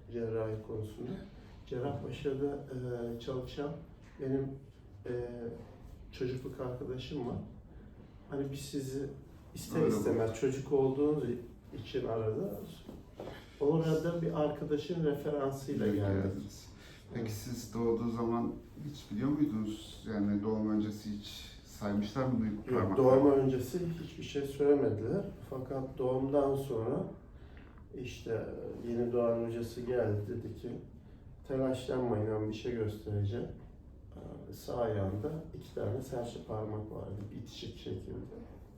cerrahi konusunda. Cerrahpaşa'da çalışan benim çocukluk arkadaşım var. Hani biz sizi ister Öyle istemez çocuk olduğunuz için arada orada bir arkadaşın referansıyla geldik. Peki siz doğduğu zaman hiç biliyor muydunuz? Yani doğum öncesi hiç saymışlar mı Yok, doğum öncesi hiçbir şey söylemediler. Fakat doğumdan sonra işte yeni doğan hocası geldi, dedi ki telaşlanmayın, ben bir şey göstereceğim. Sağ ayağında 2 tane serçe parmak vardı bitişik şekilde.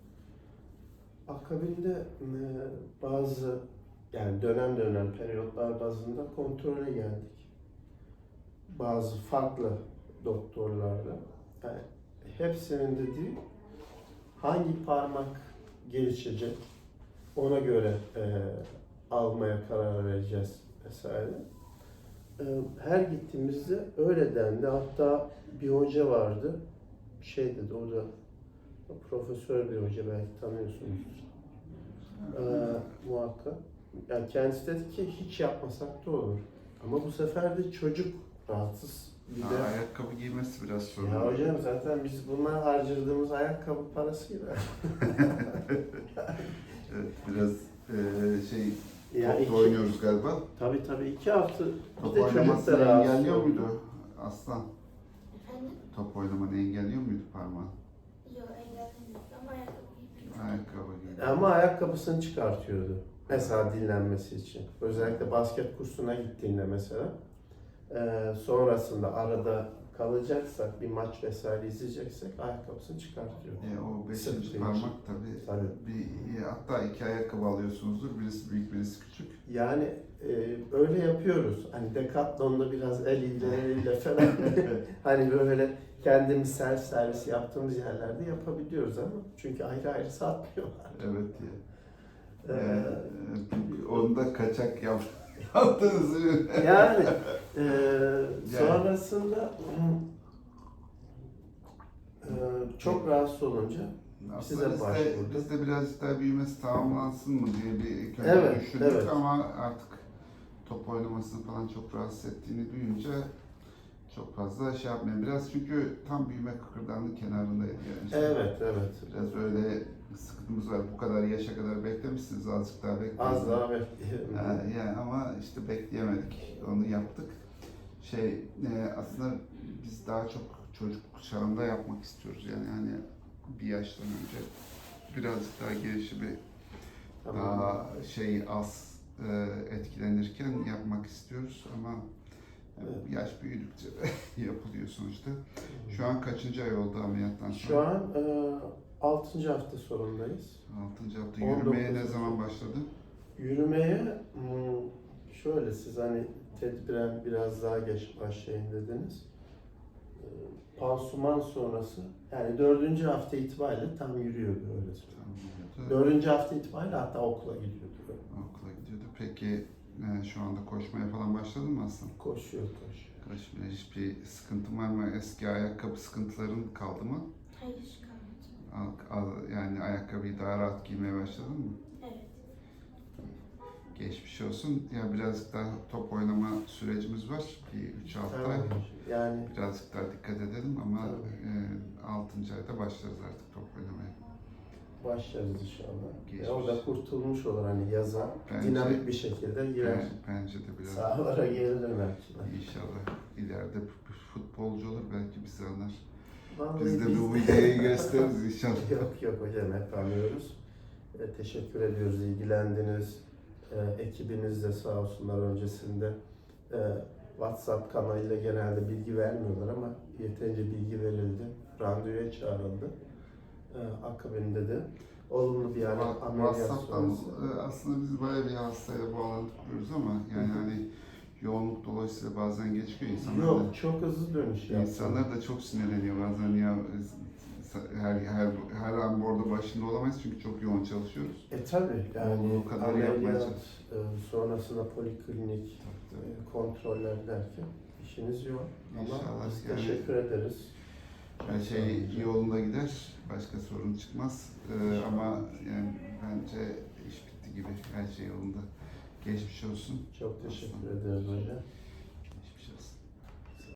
Akabinde bazı yani dönem dönem periyotlar bazında kontrole geldik. Bazı farklı doktorlarla. Yani hepsinin dediği hangi parmak gelişecek ona göre almaya karar vereceğiz vesaire. Her gittiğimizde öyle dendi. Hatta bir hoca vardı. Şey dedi, o da profesör bir hoca, belki tanıyorsunuzdur. Muhakkak. Yani kendisi dedi ki hiç yapmasak da olur. Ama bu sefer de çocuk rahatsız. Bir de ayakkabı giymesi biraz sorun. ya hocam zaten biz bunlar harcadığımız ayakkabı parasıyla. Evet, biraz şey Yani topla oynuyoruz galiba. Tabii 2 hafta Top bir de çocuk oynamasını da rahatsız engelliyor oldu. muydu Aslan? Efendim? Top oynamanı engelliyor muydu parmağın? Yok, engellemiyoruz ama ayakkabı giymiyoruz. Ayakkabı giy. Ama ayakkabısını çıkartıyordu. Mesela dinlenmesi için. Özellikle basket kursuna gittiğinde mesela. Sonrasında arada kalacaksak, bir maç vesaire izleyeceksek ayakkabısını çıkartıyor. O 5. Sırtı parmak için. tabii. Hatta 2 ayakkabı alıyorsunuzdur. Birisi büyük, birisi küçük. Yani öyle yapıyoruz. Hani Decathlon'da biraz eliyle falan hani böyle kendimiz servis yaptığımız yerlerde yapabiliyoruz ama çünkü ayrı ayrı satmıyorlar. Evet ya. Onu da kaçak yaptınız. Yani sonrasında çok rahatsız olunca size başvurduk. Biz de birazcık daha büyümesi tamamlansın mı diye bir ilk önce Evet, düşündük evet. ama artık top oynamasını falan çok rahatsız ettiğini duyunca çok fazla şey yapmayın. Biraz çünkü tam büyüme kıkırdağının kenarındaydı yani. Evet. Biraz öyle sıkıntımız var. Bu kadar yaşa kadar beklemişsiniz, azıcık daha bekleyin. Az daha bekleyelim. Yani ama işte bekleyemedik. Onu yaptık. Aslında biz daha çok çocuk çağında yapmak istiyoruz. Yani hani bir yaştan önce birazcık daha gelişimi daha az etkilenirken yapmak istiyoruz ama yaş büyüdükçe yapılıyor sonuçta. Şu an kaçıncı ay oldu ameliyattan sonra? Şu an 6. hafta sonundayız. 6. hafta. Yürümeye ne zaman başladı? Yürümeye şöyle, siz hani tedbiren biraz daha geç başlayın dediniz. Pansuman sonrası yani 4. hafta itibariyle tam yürüyordu, öyle söyleyeyim. 4. hafta itibariyle hatta okula gidiyordu. Okula gidiyordu. Peki şu anda koşmaya falan başladın mı aslında? Koşuyor. Koşmaya hiçbir sıkıntın var mı? Eski ayakkabı sıkıntıların kaldı mı? Hayır, kalmadı. Yani ayakkabıyı daha rahat giymeye başladın mı? Evet. Geçmiş olsun. Ya birazcık daha top oynama sürecimiz var. Bir 3-6 ay. Yani Birazcık daha dikkat edelim ama 6. ayda başlarız artık top oynamaya. başlarız inşallah. Geçmiş. O da kurtulmuş olur hani yaza dinamik bir şekilde girer. Bence de biraz. Sahalara geri döner. İnşallah ileride futbolcu olur, belki bizi anlar. Vallahi Biz de bu videoyu gösteririz inşallah. Yok hocam, hep anlıyoruz. Teşekkür ediyoruz, ilgilendiniz. Ekibiniz de sağ olsunlar öncesinde. WhatsApp kanalıyla genelde bilgi vermiyorlar ama yeterince bilgi verildi. Randevuya çağrıldı. Akabinde de olumlu bir ameliyat WhatsApp'tan sonrası. aslında biz bayağı bir hastayla bağlantı kuruyoruz ama yani hani yoğunluk dolayısıyla bazen geçiyor insanlar. Yok, çok hızlı dönüş yaptı. İnsanlar da çok sinirleniyor bazen ya, her an bu arada başında olamayız çünkü çok yoğun çalışıyoruz. Tabii yani o kadar yapmaya ameliyat çalışıyoruz. Sonrasında poliklinik kontroller derken işiniz yok. Ama İnşallah biz yani teşekkür ederiz. her şey yolunda gider, başka sorun çıkmaz. Ama yani bence iş bitti gibi, her şey yolunda. Geçmiş olsun. Çok teşekkür ederim hocam.